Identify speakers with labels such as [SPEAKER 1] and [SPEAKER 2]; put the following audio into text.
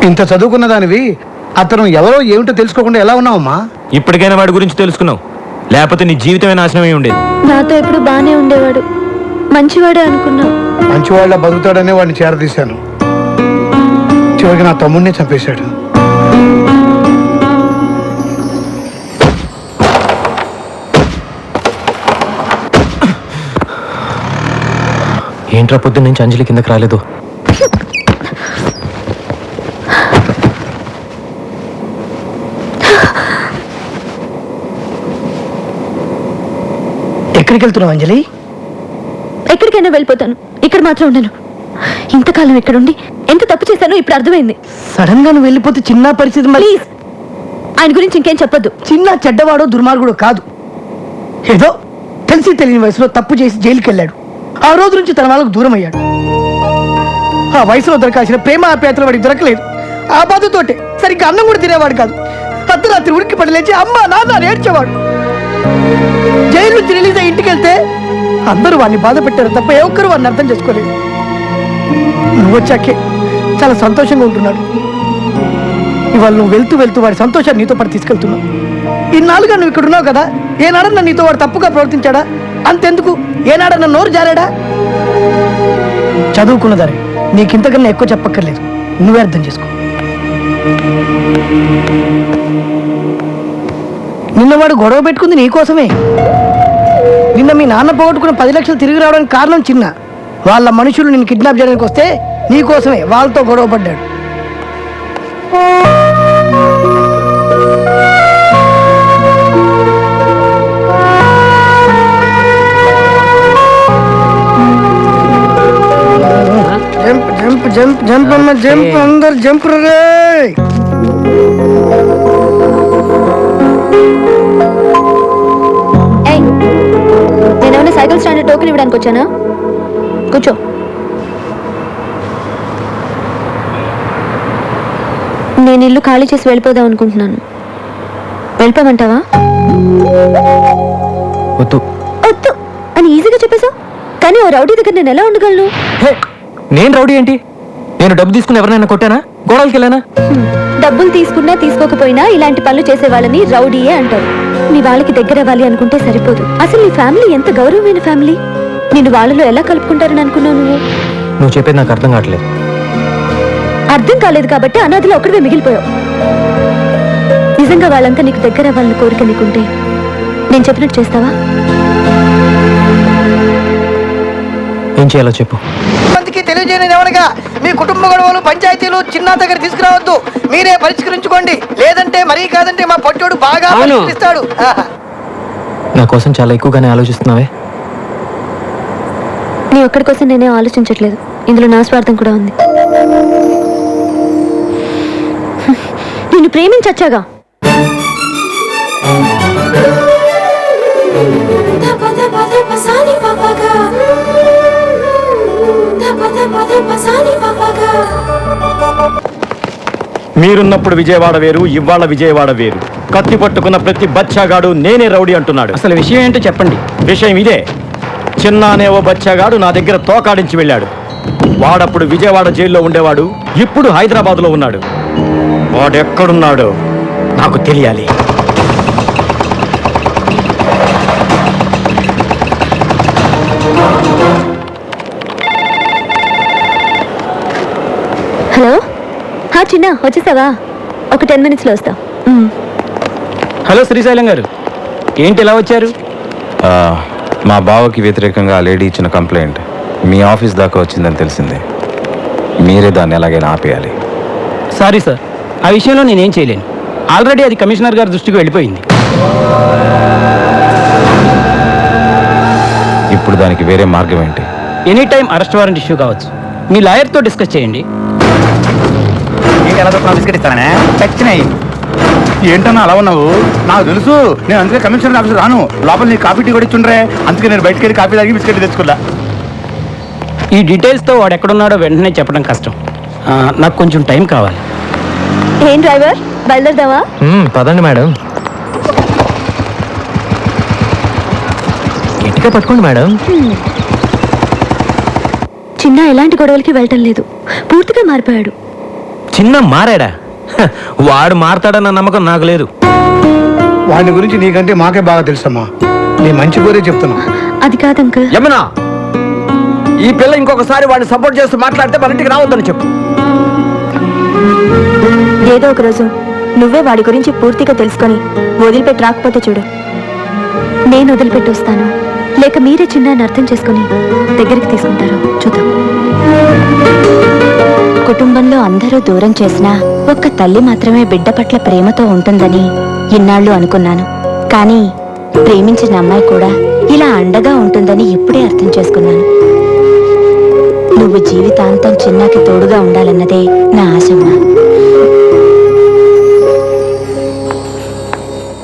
[SPEAKER 1] ఇంత చదువుకున్న దానివి అతను ఎవరో ఏమిటో తెలుసుకోకుండా ఎలా ఉన్నావమ్మా?
[SPEAKER 2] ఇప్పటికైనా వాడి గురించి తెలుసుకున్నావు, లేకపోతే నీ జీవితమే నాశనమై ఉండేది.
[SPEAKER 3] నాతో ఎప్పుడు బానే ఉండేవాడు, మంచివాడే అనుకున్నా.
[SPEAKER 1] మంచివాళ్ళ బతుకుతాడనే వాడిని చేరదీశాను. చివరికి నా తమ్ముడిని చంపేశాడు.
[SPEAKER 2] ఏంట్రా పొద్దున్న నుంచి అంజలి కిందకి రాలేదు?
[SPEAKER 4] ఎక్కడికి వెళ్తున్నావు అంజలి?
[SPEAKER 3] ఎక్కడికైనా వెళ్ళిపోతాను, ఇక్కడ మాత్రం ఉండను. ఇంతకాలం ఇక్కడుండి ఎంత తప్పు చేశానో ఇప్పుడు అర్థమైంది.
[SPEAKER 4] సడన్ గా నువ్వు వెళ్ళిపోతే చిన్న పరిస్థితి.
[SPEAKER 3] ప్లీజ్, ఆయన గురించి ఇంకేం చెప్పొద్దు.
[SPEAKER 4] చిన్న చెడ్డవాడో దుర్మార్గుడో కాదు, ఏదో తెలిసి తెలియని వయసులో తప్పు చేసి జైలుకి వెళ్ళాడు. ఆ రోజు నుంచి తన వాళ్ళకు దూరం అయ్యాడు. ఆ వయసులో దొరకాల్సిన ప్రేమ ఆప్యాయతలు వాడికి దొరకలేదు. ఆ బాధతోటే సరిగ్గా అన్నం కూడా తినేవాడు కాదు. అర్ధరాత్రి ఉడికి పడి లేచి అమ్మ నాన్న ఏడ్చేవాడు. జైలు నుంచి రిలీజ్ అయ్యి ఇంటికి వెళ్తే అందరూ వాడిని బాధ పెట్టారు తప్ప ఏ ఒక్కరు వాడిని అర్థం చేసుకోలేదు. నువ్వు వచ్చాకే చాలా సంతోషంగా ఉంటున్నాడు. ఇవాళ నువ్వు వెళ్తూ వెళ్తూ వాడి సంతోషాన్ని నీతో పాటు తీసుకెళ్తున్నావు. ఇన్నాళ్ళుగా నువ్వు ఇక్కడ ఉన్నావు కదా, ఏనాడన్నా నీతో వాడు తప్పుగా ప్రవర్తించాడా? అంతెందుకు, ఏనాడన్నా నోరు జారాడా? చదువుకున్నదారే, నీకింతకన్నా ఎక్కువ చెప్పక్కర్లేదు, నువ్వే అర్థం చేసుకో. నిన్నవాడు గొడవ పెట్టుకుంది నీకోసమే. నిన్న మీ నాన్న పోగొట్టుకున్న 10 లక్షలు తిరిగి రావడానికి కారణం చిన్న. వాళ్ళ మనుషులు నిన్ను కిడ్నాప్ చేయడానికి వస్తే నీకోసమే వాళ్ళతో గొడవ పడ్డాడు. జంప్ జంప్ జంప్ జంప్ అమ్మ జంప్, అందరు జంప్ రే.
[SPEAKER 3] నేనేమైనా సైకిల్ స్టాండ్ టోకెన్ ఇవ్వడానికి వచ్చానా? కూర్చో. నేను ఇల్లు ఖాళీ చేసి వెళ్ళిపోదాం అనుకుంటున్నాను. వెళ్ళిపోమంటావా?
[SPEAKER 2] వద్దు
[SPEAKER 3] వద్దు అని ఈజీగా చెప్పేశావు, కానీ ఓ రౌడీ దగ్గర నేను ఎలా ఉండగలను?
[SPEAKER 2] నేను రౌడీ ఏంటి? నేను డబ్బు తీసుకుని ఎవరినైనా కొట్టానా? గోడలకి వెళ్ళానా?
[SPEAKER 3] డబ్బులు తీసుకున్నా తీసుకోకపోయినా ఇలాంటి పనులు చేసే వాళ్ళని రౌడీయే అంటారు. నీ వాళ్ళకి దగ్గర అవ్వాలి అనుకుంటే సరిపోదు. అసలు నీ ఫ్యామిలీ ఎంత గౌరవమైన ఫ్యామిలీ. నిన్ను వాళ్ళలో ఎలా కలుపుకుంటారని అనుకున్నావు నువ్వు?
[SPEAKER 2] నువ్వు చెప్పేది నాకు అర్థం కావట్లేదు.
[SPEAKER 3] అర్థం కాలేదు కాబట్టి అనాథలో ఒక్కడివే మిగిలిపోయావు. నిజంగా వాళ్ళంతా నీకు దగ్గర అవ్వాలని కోరిక నీకుంటే నేను చెప్పినట్టు చేస్తావా?
[SPEAKER 2] ఏం చేయాలో చెప్పు.
[SPEAKER 4] మందికి తెలియజేయని ఎవరిగా మీ కుటుంబ గొడవలు పంచాయతీలు చిన్న దగ్గర తీసుకురావద్దు, మీరే పరిష్కరించుకోండి. లేదంటే మరీ కాదంటే మా పొట్టోడు బాగా పరిష్కరిస్తాడు.
[SPEAKER 2] నా కోసం చాలా ఎక్కువగానే ఆలోచిస్తున్నావే.
[SPEAKER 3] నీ ఒక్కడి కోసం నేనే ఆలోచించట్లేదు, ఇందులో నా స్వార్థం కూడా ఉంది. నిన్ను ప్రేమించచ్చాగా.
[SPEAKER 2] మీరున్నప్పుడు విజయవాడ వేరు, ఇవాళ విజయవాడ వేరు. కత్తి పట్టుకున్న ప్రతి బచ్చాగాడు నేనే రౌడీ అంటున్నాడు.
[SPEAKER 5] అసలు విషయం ఏంటో చెప్పండి.
[SPEAKER 2] విషయం ఇదే, చిన్న అనే ఓ బచ్చాగాడు నా దగ్గర తోకాడించి వెళ్ళాడు. వాడప్పుడు విజయవాడ జైల్లో ఉండేవాడు, ఇప్పుడు హైదరాబాద్లో ఉన్నాడు. వాడెక్కడున్నాడో నాకు తెలియాలి.
[SPEAKER 3] హలో, చిన్న వచ్చేసావా? ఒక 10 minutesలో వస్తా.
[SPEAKER 5] హలో శ్రీశైలం గారు, ఏంటి ఇలా వచ్చారు?
[SPEAKER 6] మా బావకి వ్యతిరేకంగా ఆ లేడీ ఇచ్చిన కంప్లైంట్ మీ ఆఫీస్ దాకా వచ్చిందని తెలిసింది. మీరే దాన్ని ఎలాగైనా ఆపేయాలి.
[SPEAKER 5] సారీ సార్, ఆ విషయంలో నేనేం చేయలేను. ఆల్రెడీ అది కమిషనర్ గారి దృష్టికి వెళ్ళిపోయింది.
[SPEAKER 6] ఇప్పుడు దానికి వేరే మార్గం ఏంటి?
[SPEAKER 5] Any time arrest warrant issue కావచ్చు. మీ లాయర్తో డిస్కస్ చేయండి.
[SPEAKER 7] ఏంటన్నా అలా ఉన్నావు? నాకు తెలుసు, నేను అందుకే కమిషనర్ ఆఫీస్ రాను. లోపల నీ కాఫీ టీ కూడా ఇచ్చుండ్రే, అందుకే నేను బయటకు వెళ్ళి కాఫీ తాగి బిస్కెట్ తెచ్చుకున్నా.
[SPEAKER 5] ఈ డీటెయిల్స్తో వాడు ఎక్కడున్నాడో వెంటనే చెప్పడం కష్టం. నాకు కొంచెం టైం కావాలి.
[SPEAKER 3] ఏం డ్రైవర్, బయలుదేరదావా?
[SPEAKER 2] పదండి మేడం. గట్టిగా పట్టుకోండి మేడం.
[SPEAKER 3] చిన్న ఎలాంటి గొడవలకి వెళ్ళటం లేదు, పూర్తిగా మారిపోయాడు.
[SPEAKER 8] చిన్న మారాడా హ, వాడు మారతాడన్న నమ్మకం నాకు లేదు.
[SPEAKER 1] వాడి గురించి నీకంటే మాకే బాగా తెలుసమ్మా. నీ మంచి కోరే చెప్తున్నా.
[SPEAKER 3] అది కాదు అంకుల్.
[SPEAKER 2] యమునా, ఈ పిల్ల ఇంకొకసారి వాడిని సపోర్ట్ చేస్తూ మాట్లాడితే మన ఇంటికి రావద్దని చెప్పు.
[SPEAKER 3] ఏదో ఒక రోజు నువ్వే వాడి గురించి పూర్తిగా తెలుసుకొని వదిలిపెట్టి రాకపోతే చూడు, నేను వదిలిపెట్టి వస్తాను, లేక మీరే చిన్నాన్ని అర్థం చేసుకొని దగ్గరికి తీసుకుంటారు చూద్దాం. కుటుంబంలో అందరూ దూరం చేసినా ఒక్క తల్లి మాత్రమే బిడ్డ పట్ల ప్రేమతో ఉంటుందని ఇన్నాళ్ళు అనుకున్నాను. కానీ ప్రేమించిన అమ్మాయి కూడా ఇలా అండగా ఉంటుందని ఇప్పుడే అర్థం చేసుకున్నాను. నువ్వు జీవితాంతం చిన్నాకి తోడుగా ఉండాలన్నదే నా ఆశమ్మ.